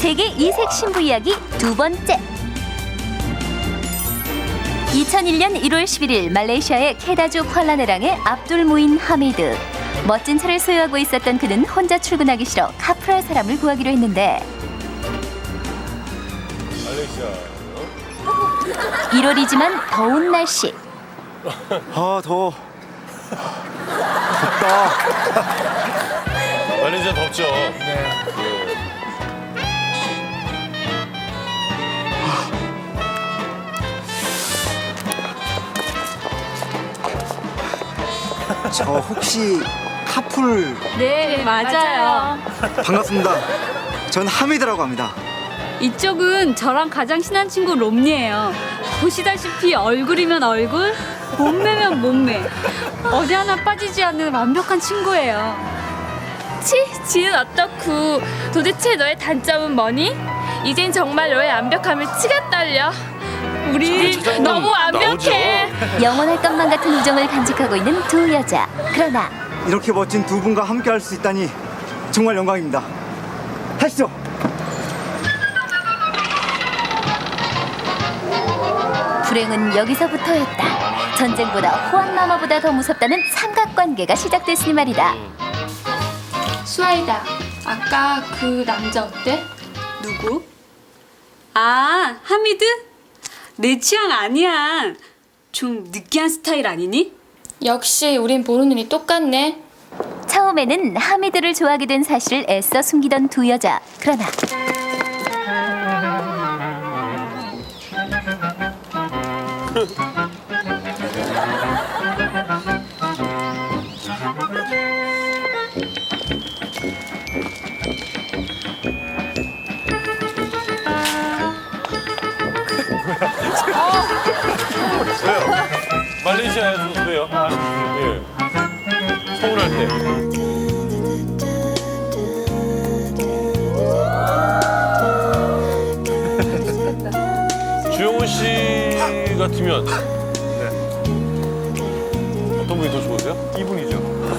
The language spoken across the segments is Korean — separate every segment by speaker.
Speaker 1: 세계 이색 신부 이야기 두 번째. 2001년 1월 11일 말레이시아의 케다주 쿠알라네랑의 압둘 무인 하미드. 멋진 차를 소유하고 있었던 그는 혼자 출근하기 싫어 카풀할 사람을 구하기로 했는데
Speaker 2: 말레이시아.
Speaker 1: 1월이지만 더운 날씨.
Speaker 3: 아, 더워. 덥다.
Speaker 2: 말레이시아 덥죠. 네.
Speaker 3: 저 혹시 카풀
Speaker 4: 네, 맞아요.
Speaker 3: 반갑습니다. 전 하미드라고 합니다.
Speaker 4: 이쪽은 저랑 가장 친한 친구 롬니예요. 보시다시피 얼굴이면 얼굴, 몸매면 몸매. 어디 하나 빠지지 않는 완벽한 친구예요.
Speaker 5: 지은 어떻고 도대체 너의 단점은 뭐니? 이젠 정말 너의 완벽함을 치가 떨려. 우리 너무 완벽해.
Speaker 1: 영원할 것만 같은 우정을 간직하고 있는 두 여자. 그러나
Speaker 3: 이렇게 멋진 두 분과 함께 할 수 있다니 정말 영광입니다. 하시죠.
Speaker 1: 불행은 여기서부터였다. 전쟁보다 호황마마보다 더 무섭다는 삼각관계가 시작됐으니 말이다.
Speaker 5: 수아이다. 아까 그 남자 어때?
Speaker 4: 누구? 아, 하미드? 내 취향 아니야. 좀 느끼한 스타일 아니니?
Speaker 5: 역시 우린 보는 눈이 똑같네.
Speaker 1: 처음에는 하미드를 좋아하게 된 사실을 애써 숨기던 두 여자. 그러나
Speaker 2: 왜요? 말레이시아에서 왜요? 예. 서운할 때. 주영훈 씨 같으면 어떤 분이 더 좋으세요? 이분이죠.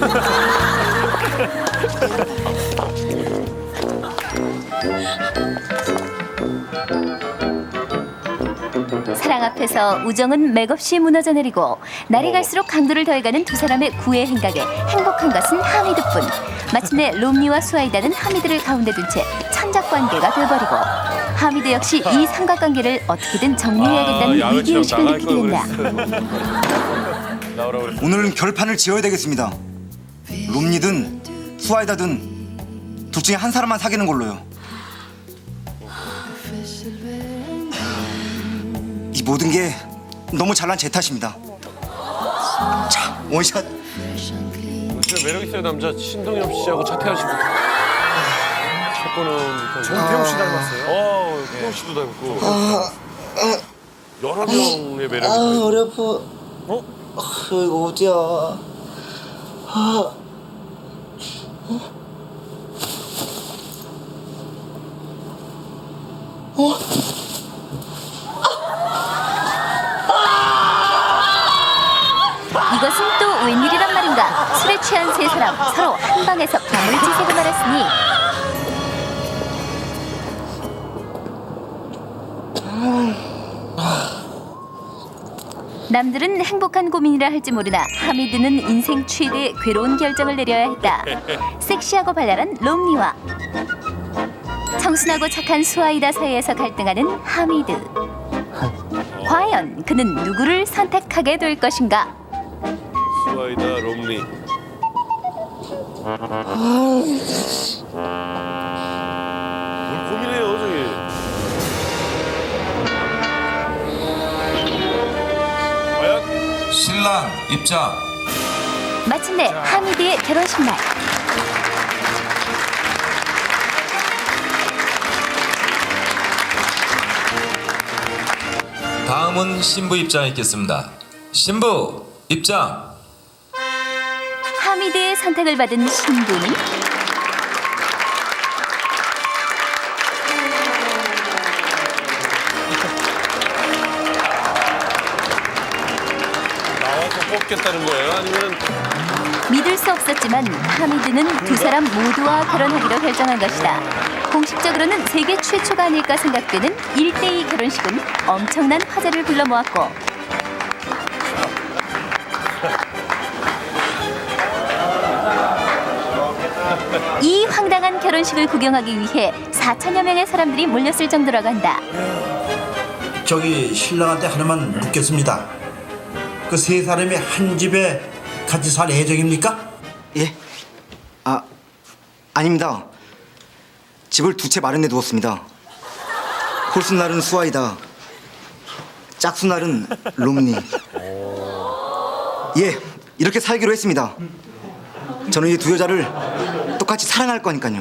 Speaker 1: 사랑 앞에서 우정은 맥없이 무너져 내리고 날이 갈수록 강도를 더해가는 두 사람의 구애 행각에 행복한 것은 하미드뿐. 마침내 롬니와 수아이다는 하미드를 가운데 둔 채 천작관계가 돼버리고 하미드 역시 이 삼각관계를 어떻게든 정리해야겠다는 위기의식을 느끼게 된다.
Speaker 2: 나오라고 그랬어.
Speaker 3: 오늘은 결판을 지어야 되겠습니다. 롬니든 수아이다든 둘 중에 한 사람만 사귀는 걸로요. 이 모든 게 너무 잘난 제 탓입니다. 자, 원샷.
Speaker 2: 진짜 매력 있어요 남자 신동엽 씨하고 차태현 씨부터. 첫 번은
Speaker 6: 정태웅 씨 닮았어요.
Speaker 2: 태용 씨도 닮고. 여러 명의 매력이.
Speaker 7: 허리 아파. 이거 어디야?
Speaker 1: 이것은 또 웬일이란 말인가. 술에 취한 세 사람 서로 한 방에서 가물치새고 말았으니 남들은 행복한 고민이라 할지 모르나 하미드는 인생 최대의 괴로운 결정을 내려야 했다. 섹시하고 발랄한 롬니와 청순하고 착한 수아이다 사이에서 갈등하는 하미드. 과연 그는 누구를 선택하게 될 것인가?
Speaker 2: 수아이다 롬니. 뭘 고민해요 저기. 과연?
Speaker 8: 신랑 입장.
Speaker 1: 마침내 하미드의 결혼식 날.
Speaker 8: 다음은 신부 입장에 있겠습니다. 신부 입장.
Speaker 1: 하미드의 선택을 받은 신부는
Speaker 2: 나와서 뽑겠다는 거예요? 아니면
Speaker 1: 믿을 수 없었지만 하미드는 두 사람 모두와 결혼하기로 결정한 것이다. 공식적으로는 세계 최초가 아닐까 생각되는 1대2 결혼식은 엄청난 화제를 불러 모았고 이 황당한 결혼식을 구경하기 위해 4천여 명의 사람들이 몰렸을 정도라고 한다.
Speaker 9: 저기 신랑한테 하나만 묻겠습니다. 그 세 사람이 한 집에 같이 살 예정입니까?
Speaker 3: 예? 아닙니다. 집을 두 채 마련해 두었습니다. 홀수날은 수아이다. 짝수날은 롬니. 예, 이렇게 살기로 했습니다. 저는 이 두 여자를 똑같이 사랑할 거니까요.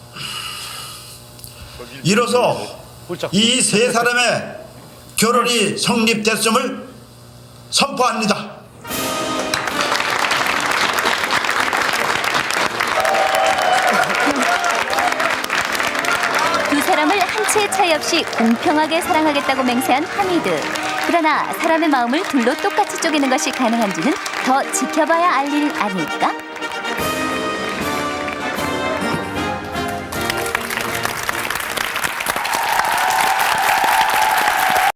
Speaker 9: 이로써 이 세 사람의 결혼이 성립됐음을 선포합니다.
Speaker 1: 두 사람을 한 채의 차이 없이 공평하게 사랑하겠다고 맹세한 하미드. 그러나 사람의 마음을 둘로 똑같이 쪼개는 것이 가능한지는 더 지켜봐야 알 일 아닐까?